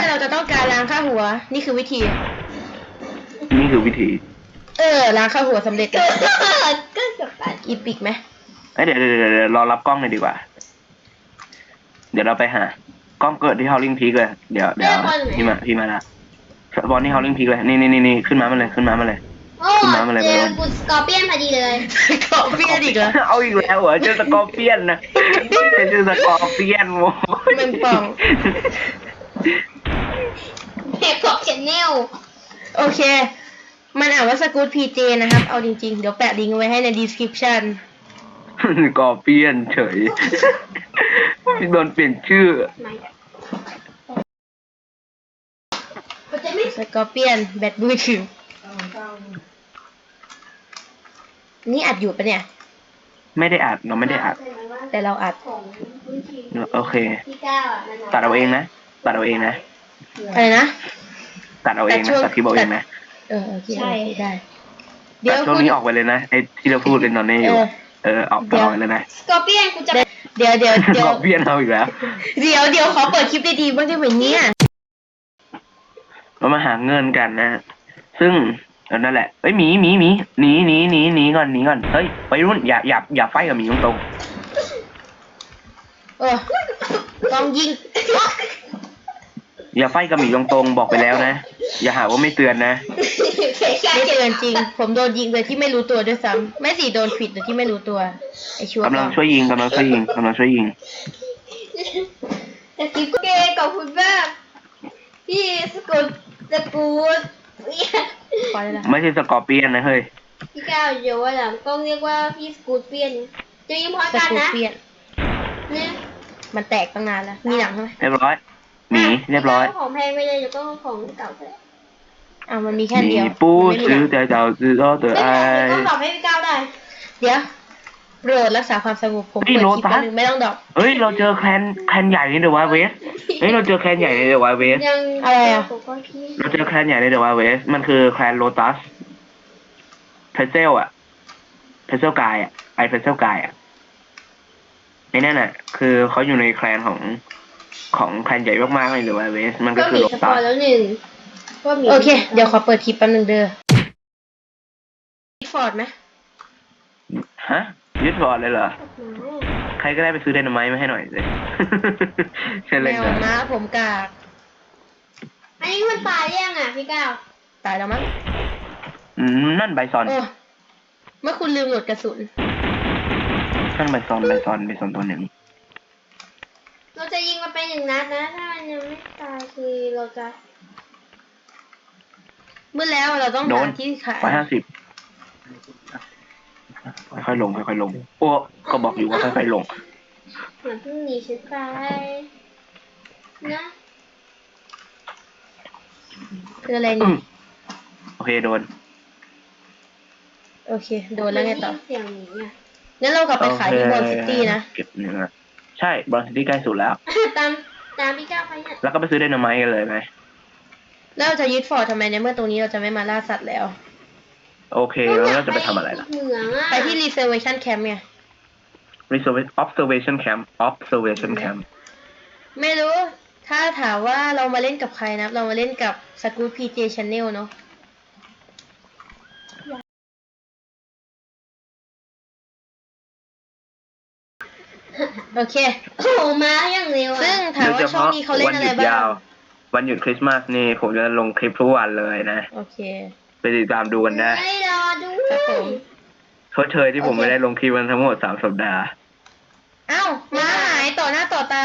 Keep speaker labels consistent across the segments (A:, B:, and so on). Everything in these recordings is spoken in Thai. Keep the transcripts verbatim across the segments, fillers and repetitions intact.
A: มื่อเราจะต้องการล้างค่าหัวนี่คือวิธี
B: นี่คือวิธี
A: เออล้างค่าหัวสำเร็จแล้ว
C: ก็จบไป
A: อีปิกไหม
B: เดี๋ยวเดี๋ยวเดี๋ยวรอรับกล้องเลยดีกว่าเดี๋ยวเราไปหากล้องเกิดที่ฮอลลิงพีกเลยเดี๋ยวเดี๋ยวพี่มาพี่มาละบอลที่ฮอลลิงพีกเลยนี่นี่นี่นี่ขึ้นมามาเลยขึ้นมามาเลย
C: โอ้เจอกูสกอร์เปียนพอดีเลย
A: สกอร์เปียนอีกเหรอ
B: เอาอีกแล้วเหรอเจอสกอร์เปียนนะเจอสกอร์เปียนโว้
A: ยมันป่อง
C: เพจของชแนล
A: โอเคมันอ่านว่าสกู๊ตพีเจนะครับเอาจริงๆเดี๋ยวแปะลิงก์ไว้ให้ใน description
B: สกอร์เปียนเฉยโดนเปลี่ยนชื่อ
A: สกอร์เปียนแบตมือถือนี่อัดอยู่ปะเนี่ย
B: ไม่ได้อัดเราไม่ได้อัด
A: แต่เราอัด
B: โอเคตัดเอาเองนะตัดเอาเองนะ
A: อะไรนะ
B: ตัดเอาเองนะตัดคลิปเอาเองนะ
A: เออโอเคใช่ได้
B: เดี๋ยวช่วงนี้ออกไปเลยนะไอ้ที่เราพูดเป็นตอนนี้อยู่เออออกไปเลยนะ
C: สกอร์เปียนกูจะ
A: เดี๋ยวเดี๋ยวเดี๋ยว
B: สกอร์เปียนเอาอีกแล้ว
A: เดี๋ยวเดี๋ยวขอเปิดคลิปดีๆบ้างได้ไหมเนี่ย
B: เรามาหาเงินกันนะซึ่งนั่นแหละเอ้ยหมีหมีหมีหนีหนีหนีหนีก่อนหนีก่อนเฮ้ยไปรุ่นอย่าอย่าอย่าไฟกับหมีตรง
A: ๆเออต้องยิง
B: อย่าไฟกับหมีตรงๆบอกไปแล้วนะอย่าหาว่าไม่เตือนนะ
A: ไม่เตือนจริงผมโดนยิงโดยที่ไม่รู้ตัวด้วยซ้ำไม่สิโดนผิดโดยที่ไม่รู้ตัวไอชัวร์
B: กำลังช่วยยิงกำลังช่วยยิงกำลังช่วยยิง
C: แต่กิ๊กเกย์กับคุณแม่พี่สกุลสกุล
B: ไม่ใช่สกอร์เปียนนะเฮ้ย
C: พี่ก้าวเดี๋ยวว่าหลังต้องเรียกว่าพี่สกูตเปียนจะยิงพร้อมกันนะ
A: เนี่ยมันแตกตั้งนานแล้วมีหนังใช่ไหม
B: เรียบร้อยหนีเรียบร้อย
C: ของแพงไปเลยเดี๋ยวก็ของเก่าไป
A: อ้าวมันมีแค่เดียว
B: ปูซื้อแต่เจ้าซื้อก็เตอไอ
C: ก็ตอบให้พี่ก้าวได้
A: เดี๋ยวโปรดรักษาความสงบผมเปิดคลิปนึงไม่ต้องดอก
B: เฮ้ยเราเจอแคนแคนใหญ่ในเดอะวาเวสเฮ้ยเราเจอแคนใหญ่ในเดอะวาเวส
A: อะไรอ่ะ
B: เราเจอแคนใหญ่ในเดอะวาเวสมันคือแคนโลตัสเพเซลอะเพเซลกายอะไอเพเซลกายอะไอ้นั่นอะคือเขาอยู่ในแคลนของของแคลนใหญ่มากๆในเดอะวาเวสมันก็คือโลตัส
C: แล้วหนึ่ง
A: โอเคเดี๋ยวขอเปิดคลิปแป๊บนึงเด้อฟอร์ดไหม
B: ฮะยึดฟอร์ดเลยเหรอใครก็ได้ไปซื้อไดนาไมต์มาให้หน่อยเลย
A: ใช่เลยนะม้าผมกาก
C: อันนี้มันตายยังอ่ะพี่ก้าว
A: ตายแล้วมั้ง
B: อืมนั่นไบซอน
A: เมื่อคุณลืมโหลดกระสุน
B: นั่นไบซอนไบซอนไบซอนตัวหนึ่ง
C: เราจะยิงมันไปหนึ่งนัดนะถ้ามันยังไม่ตายคือเราจะ
A: เมื่อแล้วเราต้องหาที่ขาย
B: ร้อยห้าสิบค่อยๆลงค่อยๆลงโอ้ก็บอกอยู่ว่าค่อยๆลง
C: เหมือนเพิ่งหนีฉันไปนะ
A: คืออะไรนี่
B: โอเคโดน
A: โอเคโดนแล้วไงต่อ
C: เสียงหนีอ่ะ
A: งั้นเรากลับไปขายที่บอลซิตี้นะ
B: เก็บเนื้อใช่บอลซิตี้ใกล้สุดแล้ว
C: ตามตามพี่ก้าวไปเนี่ย
B: แล้วก็ไปซื้อไดนาไมต์กันเลยไหม
A: แล้วเราจะยึดฟอร์ดทำไมในเมื่อตรงนี้เราจะไม่มาล่าสัตว์แล้ว
B: โอเคแล้วเราจะไปทำอะไรล่ะ
A: ไปที่ reservation camp ไง
B: observation camp observation camp
A: ไม่รู้ถ้าถามว่าเรามาเล่นกับใครนะเรามาเล่นกับ Scoot พี เจ Channel เนาะโอเค
C: โอ้มาอย่างเร็ว
A: ซึ่งถามว่าช่วงนี้เขาเล่นอะไรบ้าง
B: วันหยุดคริสต์มาสนี่ผมจะลงคลิปทุกวันเลยนะ
A: โอเค
B: ไปติดตามดูกันได้
C: ไม่รอดู
A: ครับผม
B: ชดเชยที่ผมไม่ได้ลงคลิปมันทั้งหมดสามสัปดาห์
A: อ้าวมาหายต่อหน้าต่อตา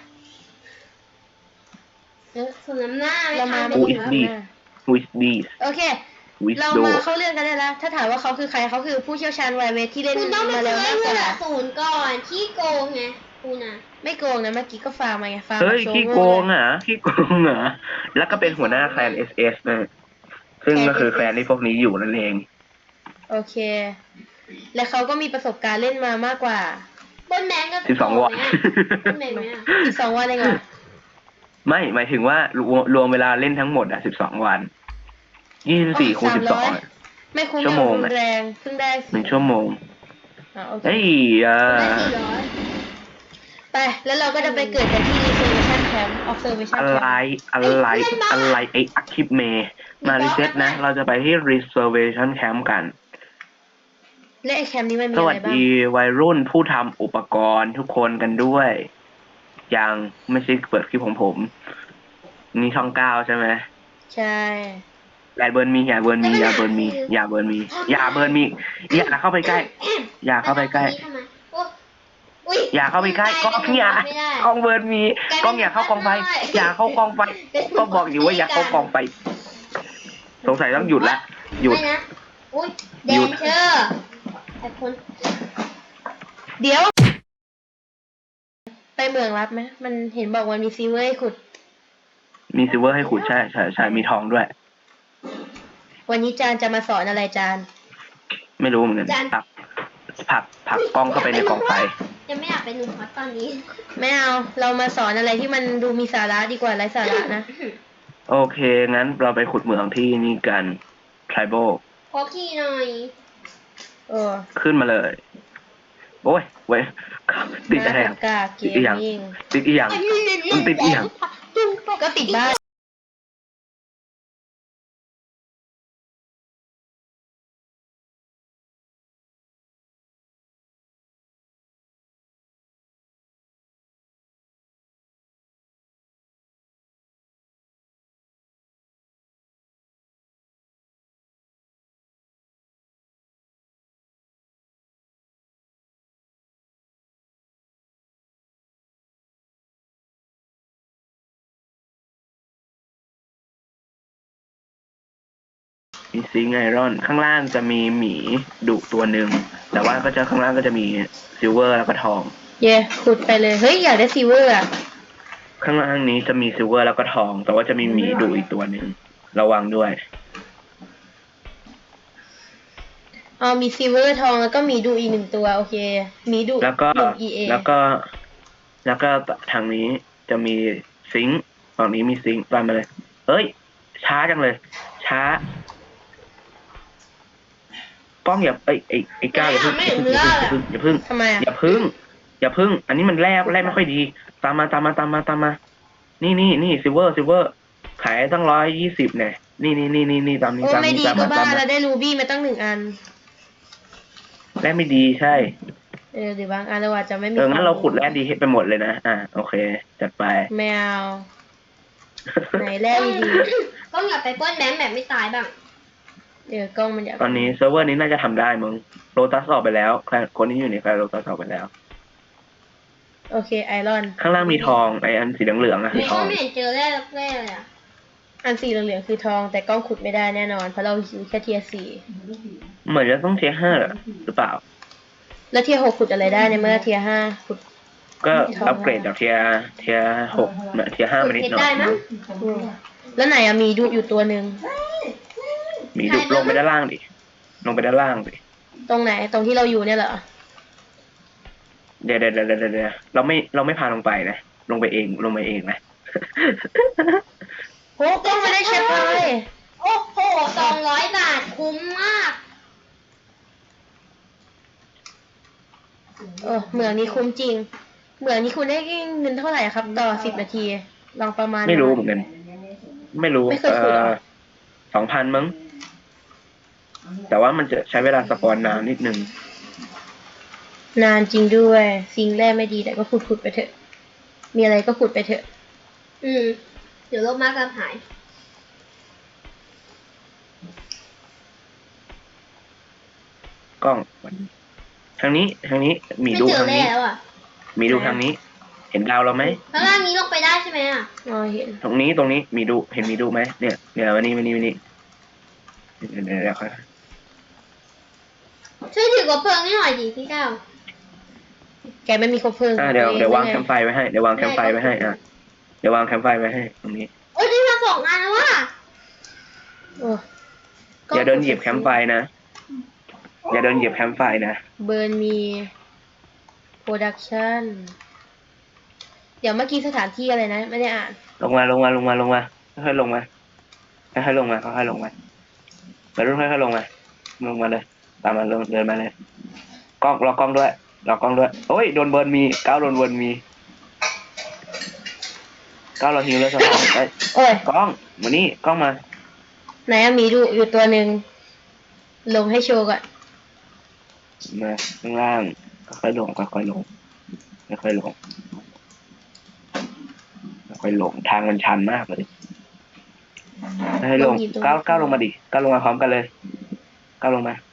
C: เออสน้ำหน้า
A: เรามา
B: อูอิสดีอูอิสดี
A: โอเคเรามาเข้าเรื่องกันได้แล้วถ้าถามว่าเขาคือใครเขาคือผู้เชี่ยวชาญไวเวทที่เล่นมาแล้วมากกว่า
C: ศูนย์ก่อนขี้โกงไงคุณนะ
A: ไม่โกงนะเมื่อกี้ก็ฟาร์มมาไงฟาร์ม
B: เฮ้ยขี้โกงอ่ะขี้โกงเหรอแล้วก็เป็นหัวหน้าแคลน เอส เอส นะซึ่งก็คือแคลนที่พวกนี้อยู่นั่นเอง
A: โอเคและเขาก็มีประสบการณ์เล่นมามากกว่า
C: บนแมงก็
B: สิบสองวัน
C: บนแมงไหมอ่ะ
A: สิบสองวันเองเหรอ
B: ไม่หมายถึงว่ารวมเวลาเล่นทั้งหมดอ่ะสิบสองวันยี่สิบสี่คูณสิบสอง
A: ไม่คุ้มชั่วโมงแรงเพิ่งได้
B: หนึ่งชั่วโมงเฮ้ยอ่า
A: ไปแล้วเราก็จะไปเกิดกันที่ reservation camp observation
B: อะไร
A: camp
B: อะไรอะไรไออาคิปเมมารีเซ็ตนะ เราจะไปที่ reservation camp กัน
A: และไอ้แคมป์นี้มันมี
B: ส
A: อะ
B: วั
A: ไร
B: ส
A: บ้าง
B: ดีวัยรุ่นผู้ทำอุปกรณ์ทุกคนกันด้วย ยังไม่ใช่เปิดคลิปของผม นี่ช่องเก้าใช่ไหม
A: ใช่
B: อย่าเบิร์นมีอย่าเบิร์นมีอย่าเบิร์นมีอย่าเบิร์นมีอย่าเบิร์นมีอย่าเข้าไปใกล้ อย่าเข้าไปใกล้ อย่าเข้าไปใกล้กล้องอย่ากล้องเบิร์นมีกล้องอย่าเข้ากองไฟอย่าเข้ากองไฟก็บอกอยู่ว่าอย่าเข้ากองไฟสงสัยต้องหยุดละหยุด
C: ไม่นะอุ้ยแดนเชอร์แต่คน
A: เดี๋ยว ไปเมืองลับไหมมันเห็นบอกว่ามีซีเวอร์ให้ขุด
B: มีซิลเวอร์ให้ขุดใช่ใช่ใช่มีทองด้วย
A: วันนี้จานจะมาสอนอะไรจาน
B: ไม่รู้เหมือนกันผลักผลักผลักกล้องเข้าไปในกองไฟ
C: ยังไม่อยากเป็นหนุ่มฮอตตอนนี้
A: ไม่เอา เรามาสอนอะไรที่มันดูมีสาระดีกว่าไร้สาระนะ
B: โอเค งั้นเราไปขุดเหมืองที่นี่กัน tribal
C: ขอขี่หน่อย
A: เออ
B: ขึ้นมาเลย โอ้ยเว้ยติดอะไร
A: ห
B: อ่ะ
A: น้าตากาเก
B: ติดอีหยัง
A: มมิ่ง
B: ติดอีหยังมันติดอีหยัง
A: ก็ติดบ้าน
B: มีซิงค์ไอรอน ข้างล่างจะมีหมีดุตัวหนึ่ง แต่ว่าก็จะข้างล่างก็จะมีซิลเวอร์แล้วก็ทอง
A: เย่ขุดไปเลย เฮ้ย อยากได้ซีเวอร์อ่ะ
B: ข้างล่างนี้จะมีซิลเวอร์แล้วก็ทอง แต่ว่าจะมีหมีดุอีกตัวหนึ่ง ระวังด้วย
A: อ๋อมีซีเวอร์ทองแล้วก็มีดูอีกหนึ่งตัว โอเค มีดู
B: แล้วก็
A: หนึ่ง อี เอ
B: แล้วก็ แล้วก็ทางนี้จะมีซิงค์ฝั่งนี้มีซิงค์ตามมาเลย เอ้ย ช้าจังเลย ช้ากล้องอย่าไอ้ไอ้ไอ้ก้าวอย่าพึ่งอย่าพึ่งอย่าพึ่ง
A: ทำไมอ่ะ
B: อย่าพึ่ง อย่าพึ่ง อันนี้มันแร่แร่ไม่ค่อยดี ตามมาตามมาตามมาตามมา นี่นี่นี่ซิลเวอร์ซิลเวอร์ขายตั้งร้อยยี่สิบเนี่ยนี่นี่นี่นี่นี่ตามนี้
A: โอ้
B: ตาม
A: ไม่
B: นี้
A: ดี
B: ตาม
A: ก็
B: มา
A: บ้า
B: ตามมา
A: เราได้รูบี้มาตั้งหนึ่งอัน
B: แร่ไม่ดีใช่
A: เออหรือบางอันเราอาจจะไม่มี
B: เอองั้นเราขุดแร่ดีให้ไปหมดเลยนะอ่ะโอเคจัดไป
A: แมว ไหนแร่ดี
C: ก็อยากไปปล้นแบงค์แบบไม่ตายบ้าง
A: ๆเดี๋ยวกล้องมันอยาก
B: ตอนนี้เซิร์ฟเวอร์นี้น่าจะทำได้มึงโรตัสออกไปแล้วใครคนที่อยู่ในแคลโรตัสออกไปแล้ว
A: โอเคไอรอน
B: ข้างล่างมีทองไออันสีเหลืองๆอะคือ
C: ไม่
B: ทอ
C: ก็
B: ง
C: ไม่เห็นเจอแร่สักแร่เลยอ่ะ
A: อันสีเหลืองๆคือทอง แต่กล้องขุดไม่ได้แน่นอน เพราะเราอยู่แค่เทียร์สี่
B: เหมือนจะต้องเทียร์ห้าหรือเปล่า
A: แล้วเทียร์หกขุดอะไรได้ในเมื่อเทียร์ห้าขุด
B: ก็อัปเกรดจากเทียร์เทียร์หกมาเทียร์ห้า
C: ขุ
B: มา
C: ด
B: นิด
C: เพช
B: ห
C: ร
B: น่อ
C: ได้
B: ย
C: มั้ง
A: อืมแล้วไหนอะมีดูอยู่ตัวหนึ่ง
B: มีดุลงไปด้านล่างดิลงไปด้านล่างดิ
A: ตรงไหนตรงที่เราอยู่เนี่ยเหรอ
B: เดี๋ยวเดี๋ยวเดี๋ยวเดี๋ยวเดี๋ยวเราไม่เราไม่พาลงไปนะลงไปเองลงไปเองนะ
A: โอ้กล้องไม่ได้ใช้ไฟ
C: โอ้โหสองร้อยบาทคุ้มมาก
A: เออเหมืองนี้คุ้มจริง เหมืองนี้คุณได้เงินเท่าไหร่ครับ ต่อสิบนาที ลองประมาณ
B: ไม่รู้เหมือนกัน ไม่รู้
A: ไม่เคย
B: เอ
A: ขุดเหรอ
B: อสองพันมั้ง แต่ว่ามันจะใช้เวลาสปอนนานนิดนึง
A: นานจริงด้วยซิงค์แร่ไม่ดีแต่ก็ขุดขุดๆไปเถอะ มีอะไรก็ขุดไปเถอะ
C: อืม เดี๋ยวโลกมากจะหาย
B: กล้องทางนี้ทางนี้มี
C: ไม่
B: ดู
C: เจอ
B: ทาง
C: แร่
B: นี้
C: แล้วอ่ะ
B: มีดูทางนี้ เห็นดาวเราไหม
C: ข้างล่างนี้ลงไปได้ใช่ไหมอ่ะ
A: อ๋อเห็น
B: ตรงนี้ตรงนี้มีดูเห็นมีดูไหมเนี่ยเนี่ยวันนี้วันนี้วันนี้เดี๋ยวเดี๋ยวเดี๋ยวค่อย
C: ช่วยถือกระเพลิงให้หน่อยดิพี่ก้าว
A: แกไม่มีคบเพลิง
B: อ่าเดี๋ยวเดี๋ยววาง
A: ไ
B: แคมป์ไฟไว้ให้เดี๋ยววางแคมป์ไฟไว้ให้อ่ะเดี๋ยววางแคมป์ไฟไว้ให้ตรงนี้
C: โอ้ยได้มาสองอันแล้วว่ะ
A: โอ้
B: อย่าเดินเหยียบแคมป์ไฟนะอย่าเดินเหยียบแคมป์ไฟนะ
A: เบิร์นมีโปรดักชั่น เดี๋ยวเมื่อกี้สถานที่อะไรนะ ไม่ได้อ่าน
B: ลงมาลงมาลงมาลงมาค่อยๆลงมาค่อยๆลงมาค่อยๆลงมามารุ่นค่อยๆลงมาลงมาเลย ตามมาลงเดินมาเลยกล้องรอกล้องด้วยรอกล้องด้วยโอ้ยโดนเบิร์นมีก้าวโดนเบิร์นมีก้าวเราหิวแล้วสบายเอ้ย
A: โอ้ย
B: กล้องมานี่กล้องมา
A: ไหนอะหมีดูอยู่ตัวหนึ่งลงให้โชว์ก่อน
B: มาข้างล่างค่อยๆลงค่อยๆลงค่อยๆลงค่อยๆลงทางมันชันมากเลยให้ลงก้าวก้าวลงมาดิก้าวลงมาพร้อมกันเลยก้าวลงมา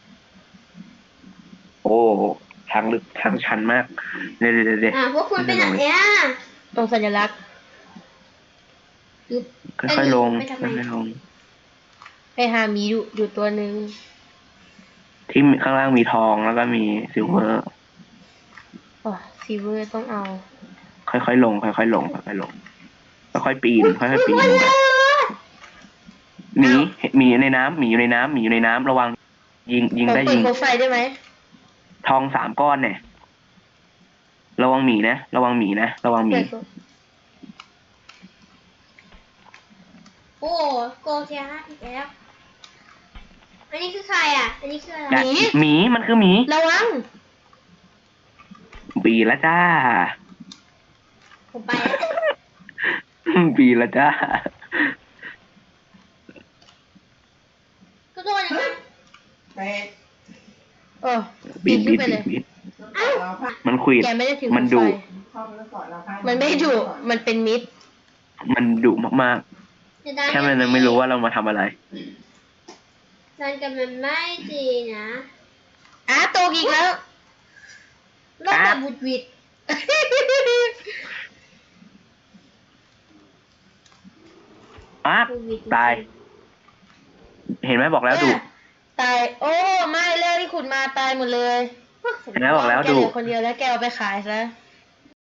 B: โอ้ทางลึกทางชันมากเดี๋ยวเดี๋ยวเดี๋ยว
C: อ่ะพวกคุณไปไหนอ่ะ
A: ตรงสัญลักษณ์
C: อึ๊บ
B: ค่อยๆลง
C: ไปทำไม
B: ค่อยๆลง
A: ไปหาหมีดูอยู่ตัวหนึ่ง
B: ที่ข้างล่างมีทองแล้วก็มีซิลเวอร์
A: อ๋อซีเวอร์ต้องเอา
B: ค่อยๆลงค่อยๆลงค่อยๆลงค่อยๆปีนค่อยๆปีนลงมาหมีหมีอยู่ในน้ำหมีอยู่ในน้ำหมีอยู่ในน้ำระวังยิงยิง
A: ผม
B: ได้
A: เปิ
B: ยิ
A: ด
B: ง
A: โคมไฟได้ไหม
B: ทองสามก้อนเนี่ยระวังหมีนะระวังหมีนะระวังหมี
A: เปิดโคม
C: โอ้โกเทียห้าอีกแล้วอันนี้คือใครอ่ะ อันนี้คืออะไร
B: กัดหมีมันคือหมี
A: ระวัง
B: ปีละจ้า
C: ผมไปแล้ว
B: ปีละจ้า
C: ก็โดนยังไง
A: โอ้
B: บี
A: ปี
B: ด
A: น
B: บี
A: ขึ้น
B: ด
A: ไปเลย
B: บีด
C: อ้าว
B: มันขวิด
A: แกไม่ได้ถือ
B: มัน
A: โค
B: ดุ
A: ไฟมันไม่ดุมันเป็นมิด
B: มันดุมาก
C: จะได้
B: ๆแค่มันยังไม่รู้ว่าเรามาทำอะไร
C: ดันกันมันไม่ดีนะ
A: อ้าตกอีกแล้ว
C: โลกแบบบุดหวิด
B: อ้า
C: บุดหวิด
B: ตาย เห็นไหมบอกแล้วดุ
A: ตาย โอ้ไม่แล้วที่ขุดมาตายหมดเลย
B: เห็นไหมบอกแล้ว
A: แก
B: ดุ
A: เหลือคนเดียวแล้วแกเอาไปขายซะ